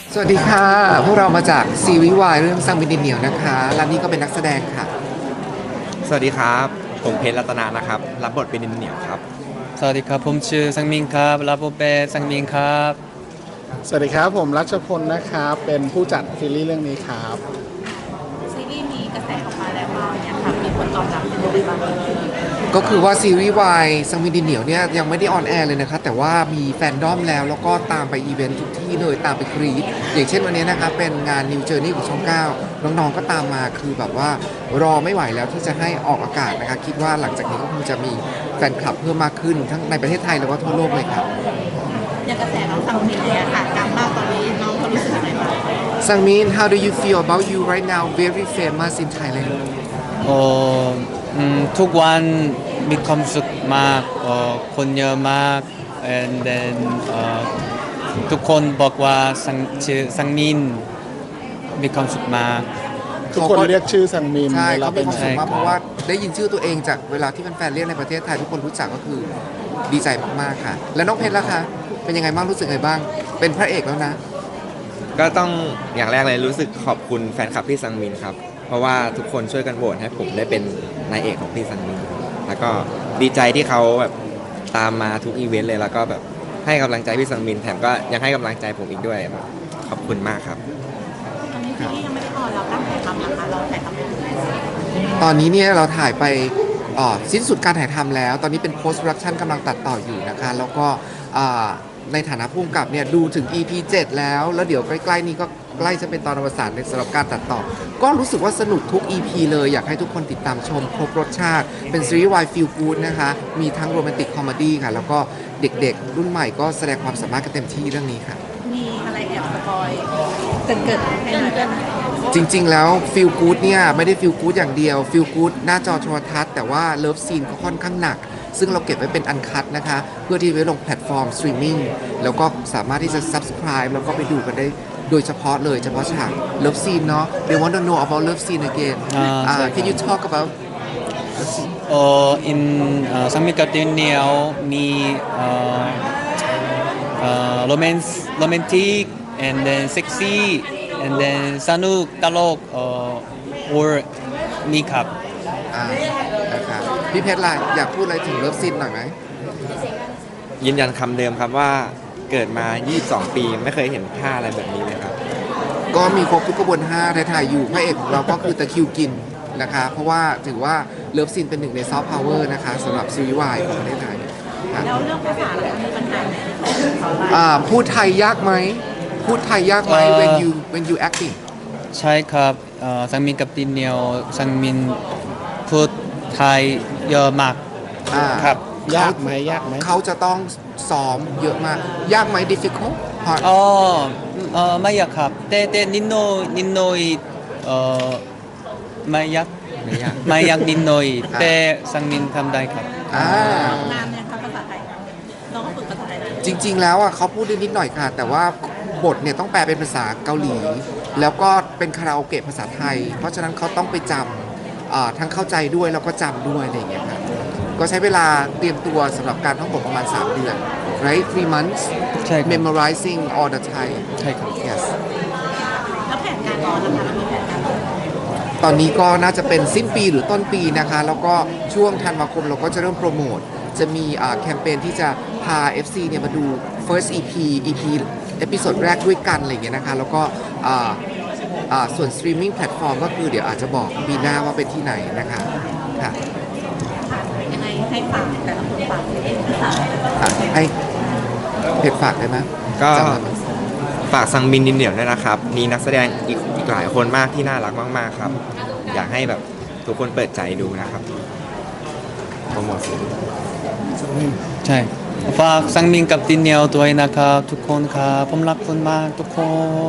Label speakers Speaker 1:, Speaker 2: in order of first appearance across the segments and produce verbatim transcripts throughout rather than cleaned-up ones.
Speaker 1: สวัสดีค่ะพวกเรามาจากซีรีส์วายเรื่องซังมินดินเหนียวนะคะและนี่ก็เป็นนักแสดงค่ะ
Speaker 2: สวัสดีครับผมเพชรรัตนานะครับรับบทเป็นดินเหนียวครับ
Speaker 3: สวัสดีครับผมชื่อสังมินครับรับบทเป็นสังมินครับ
Speaker 4: สวัสดีครับผมรัชพลนะครับเป็นผู้จัดซีรีส์เรื่องนี้ครับ
Speaker 5: ซีรีส์มีกระแสออกมาแล้วว่าเนี่ยค่ะมีผลตอบรับเป็นยังไงบ้าง
Speaker 1: ก็คือว่าซีรีส์วายซังมินดินเหนียวเนี่ยยังไม่ได้ออนแอร์เลยนะคะแต่ว่ามีแฟนดอมแล้วแล้วก็ตามไปอีเวนต์ทุกที่เลยตามไปกรีดอย่างเช่นวันนี้นะคะเป็นงาน New Journey ของช่องเก้าน้องๆก็ตามมาคือแบบว่ารอไม่ไหวแล้วที่จะให้ออกอากาศนะคะคิดว่าหลังจากนี้ก็คงจะมีแฟนคลับเพิ่มมากขึ้นทั้งในประเทศไทยแล้วก็ทั่วโลกเลยครับ
Speaker 5: อย่างกระแสน้องซังมินเนี่ยค่ะดังมากตอนนี้น้องเขารู้สึกยังไงบ้าง
Speaker 1: Sangmin, how do you feel about you right now very famous in Thailand
Speaker 3: โอ้อืมทุกวันมีความสุขมากเอ่อคนเยอะมาก and then เอ่อทุกคนบอกว่าสังชื่อสังมินมีความสุขมาก
Speaker 4: ทุกคนเรียกชื่อสังมิน
Speaker 1: ใช่
Speaker 4: เวลา
Speaker 1: เขา
Speaker 4: เป็
Speaker 1: เป็น
Speaker 4: น
Speaker 1: ความสุขมาก
Speaker 3: ใช่ครับ
Speaker 1: เพราะว่าได้ยินชื่อตัวเองจากเวลาที่แฟนๆเรียกในประเทศไทยทุกคนรู้จักก็คือดีใจมากๆค่ะ แล้วน้องเพชรล่ะคะเป็นยังไงบ้างรู้สึกไงบ้าง เป็นพระเอกแล้วนะ
Speaker 2: ก็ต้องอย่างแรกเลยรู้สึกขอบคุณแฟนคลับพี่ซังมินครับเพราะว่าทุกคนช่วยกันโหวตให้ผมได้เป็นนายเอกของพี่ซังมินแล้วก็ดีใจที่เขาแบบตามมาทุกอีเวนต์เลยแล้วก็แบบให้กำลังใจพี่ซังมินแถมก็ยังให้กำลังใจผมอีกด้วยแบบขอบคุณมากครับ
Speaker 5: ตอนนี้ซีรีส์ยังไม่ได้ออนเราตั้งถ่ายทำนะคะเราถ่ายทำไปถึงไหนแล้ว
Speaker 1: ตอนนี้เนี่ยเราถ่ายไปอ่อสิ้นสุดการถ่ายทำแล้ว ตอนนี้เป็น post production กำลังตัดต่ออยู่นะคะ แล้วก็อ่าในฐานะผู้กำกับเนี่ยดูถึง อี พี เจ็ด แล้ว แล้วเดี๋ยวใกล้ๆนี้ก็ใกล้จะเป็นตอนอวสานในสำหรับการตัดต่อ ก็รู้สึกว่าสนุกทุก อี พี เลย อยากให้ทุกคนติดตามชมครบรสชาติ เป็นซีรีส์วายฟีลกู๊ดนะคะ มีทั้งโรแมนติกคอมเมดี้ค่ะ แล้วก็เด็กๆ รุ่นใหม่ก็แสดงความสามารถกันเต็มที่เรื่องนี้ค่ะ
Speaker 5: มีอะไรแอบสปอยเกินเกินให้หน่อยได้ไหม
Speaker 1: จริงๆ แล้วฟีลกู๊ดเนี่ยไม่ได้ฟีลกู๊ดอย่างเดียวฟีลกู๊ดหน้าจอโทรทัศน์แต่ว่าเลิฟซีนก็ค่อนข้างหนัก ซึ่งเราเก็บไว้เป็นอันคัดนะคะ เพื่อที่ไว้ลงแพลตฟอร์มสตรีมมิ่งแล้วก็สามารถที่จะ subscribe แล้วก็ไปดูกันได้โดยเฉพาะเลยเฉพาะฉากเลิฟซีนเนาะ they want to know about love scene again
Speaker 3: อ่า
Speaker 1: อ่า
Speaker 3: ใช่ครับ
Speaker 1: can you talk about
Speaker 3: เอ่อ in เอ่อสังมินกับดินเหนียวมีเอ่อเอ่อ romance romantic and then sexy and then สนุกตลกเอ่อ or มีครับ
Speaker 1: อ่านะคะพี่เพชรล่ะอยากพูดอะไรถึงเลิฟซีนหน่อยไหม
Speaker 2: ยืนยันคำเดิมครับว่าเกิดมา ยี่สิบสอง ปีไม่เคยเห็นท่าอะไรแบบนี้เลยครับ
Speaker 1: ก็มีครบทุกกระบวนท่าถ่ายๆอยู่พระเอกของเราก็คือตะคริวกินนะคะ เพราะว่าถือว่าเลิฟซีนเป็นหนึ่งในซอฟต์พาวเวอร์นะคะสำหรับซีรีส์วายของประเทศไทยค่ะ
Speaker 5: แล้วเรื่องภาษาล่ะมีปัญหาไหมของเรา
Speaker 1: อ่าพูดไทยยากไหม พูดไทยยากไหม
Speaker 3: เอ่อ
Speaker 1: when you when you acting
Speaker 3: ใช่ครับเอ่อสังมินกับดินเหนียวสังมินพูดไทยเยอะมาก
Speaker 1: อ่า
Speaker 3: ครับ
Speaker 4: ยากไหมยากไหม
Speaker 1: เขาจะต้องซ้อมเยอะมาก ยากไหม difficult hard
Speaker 3: อ๋อเอ่อไม่อยากครับแต่แต่นิดหน่อยนิดหน่อยเอ่อไม่อยาก
Speaker 2: ไม่ยาก
Speaker 3: ไม่อยากนิดหน่อยแต่สังมินทำได้ครับ
Speaker 1: อ่า
Speaker 5: นานเนี่ยครับภาษาไทยน้องก็ฝึกภาษาไทยได้
Speaker 1: จริง ๆ แล้วอ่ะเขาพูดได้นิดหน่อยค่ะ แต่ว่าบทเนี่ยต้องแปลเป็นภาษาเกาหลี แล้วก็เป็นคาราโอเกะภาษาไทย เพราะฉะนั้นเขาต้องไปจำอ่าทั้งเข้าใจด้วยแล้วก็จำด้วยอะไรอย่างเงี้ยค่ะก็ใช้เวลาเตรียมตัวสำหรับการท่องบทประมาณ สาม เดือน right three months
Speaker 3: ใช่ครับ
Speaker 1: memorizing all the Thai
Speaker 3: ใช่ครับ
Speaker 1: yes
Speaker 5: แล้วแผนการออนนะคะเรามีแผนการออน
Speaker 1: ตอนนี้ก็น่าจะเป็นสิ้นปีหรือต้นปีนะคะ แล้วก็ช่วงธันวาคมเราก็จะเริ่มโปรโมท จะมีอ่าแคมเปญที่จะพา เอฟ ซี เนี่ยมาดู first อี พี อี พี เอพิโซดแรกด้วยกันอะไรอย่างเงี้ยนะคะ แล้วก็อ่าอ่าส่วนสตรีมมิ่งแพลตฟอร์มก็คือเดี๋ยวอาจจะบอกปีหน้าว่าเป็นที่ไหนนะคะค่ะ
Speaker 5: ยังไงให้ฝากแต่ละคนฝากเองภาษา
Speaker 1: อ่ะให้เพจฝากได้ไหม
Speaker 2: ก็
Speaker 1: จำได้ไหม
Speaker 2: ฝากซังมินดินเหนียวด้วยนะครับ มีนักแสดงอีกอีกหลายคนมากที่น่ารักมากๆครับ อยากให้แบบทุกคนเปิดใจดูนะครับโปรโมทซีรีส์
Speaker 3: ใช่ฝากสังมินกับดินเหนียวด้วยนะครับทุกคนครับผมรักคุณมากทุกคน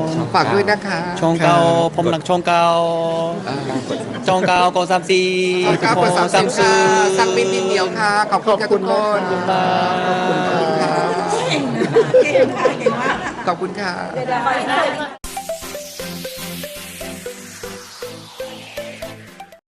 Speaker 1: ฝากด้วยนะคะ
Speaker 3: ช่องเก้าผมรักช่องเก้า
Speaker 1: อ่า
Speaker 3: ช่องเก้าก็สามสี่
Speaker 1: ขอบคุณครับเปิดสามสิบค่ะสั่งบินดินเดียวค่ะ ขอบคุณค่ะทุกคน
Speaker 3: ขอบคุณมาก
Speaker 1: ขอบคุณค่ะ
Speaker 5: เก่งนะเก่งค่ะเก่งมาก
Speaker 1: ขอบคุณค่ะ